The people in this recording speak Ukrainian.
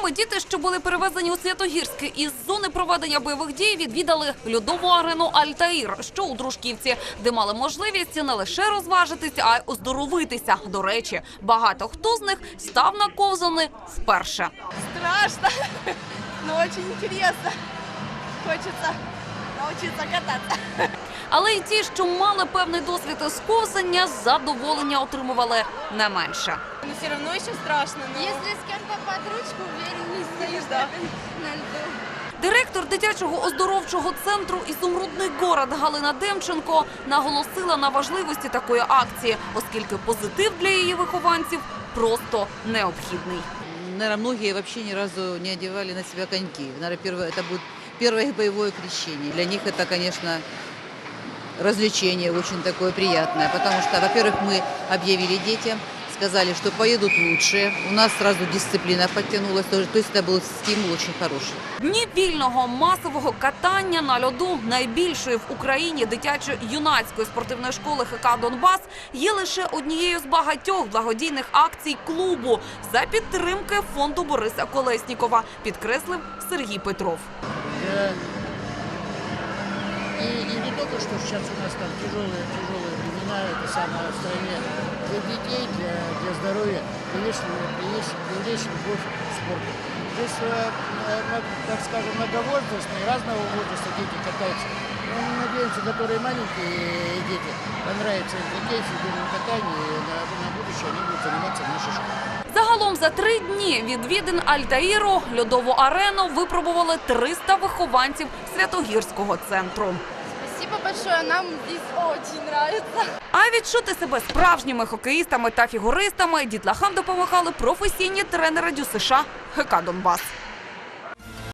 Зимові діти, що були перевезені у Святогірське із зони проведення бойових дій, відвідали льодову арену «Альтаїр», що у Дружківці, де мали можливість не лише розважитися, а й оздоровитися. До речі, багато хто з них став на ковзани вперше. Страшно, но очень интересно. Хочется научиться кататься. Але й ті, що мали певний досвід із ковзання, задоволення отримували не менше. Но все равно еще страшно. Если с кем-то под ручку, увереннее стоишь на льду. Директор дитячого оздоровчого центру «Ізумрудний город» Галина Демченко наголосила на важливості такої акції, оскільки позитив для її вихованців просто необхідний. Наверное, многие вообще ни разу не одевали на себя коньки. Наверное, это будет первое их боевое крещение. Для них это, конечно, развлечение очень такое приятное, потому что, во-первых, мы объявили детям, сказали, что поедут лучше. У нас сразу дисциплина подтянулась, то есть это был стимул очень хороший. Дні вільного масового катання на льоду найбільшої в Україні дитячо-юнацької спортивної школи ХК «Донбас» є лише однією з багатьох благодійних акцій клубу за підтримки фонду Бориса Колеснікова, підкреслив Сергій Петров. И не только, что сейчас у нас там тяжелые времена, это самое в стране, для детей, для здоровья, привлечь любовь к спорту. Здесь, так скажем, многовозрастные, разного возраста дети катаются. Но мы надеемся, которые маленькие дети, понравится им детей фигурное катание, и на будущее они будут заниматься в нашей школе. Загалом за 3 дні відвідин «Альтаїру» льодову арену випробували 300 вихованців Святогірського центру. Спасибо большое, нам здесь очень нравится. А відчути себе справжніми хокеїстами та фігуристами дітлахам допомагали професійні тренери ДЮСШ ХК «Донбас».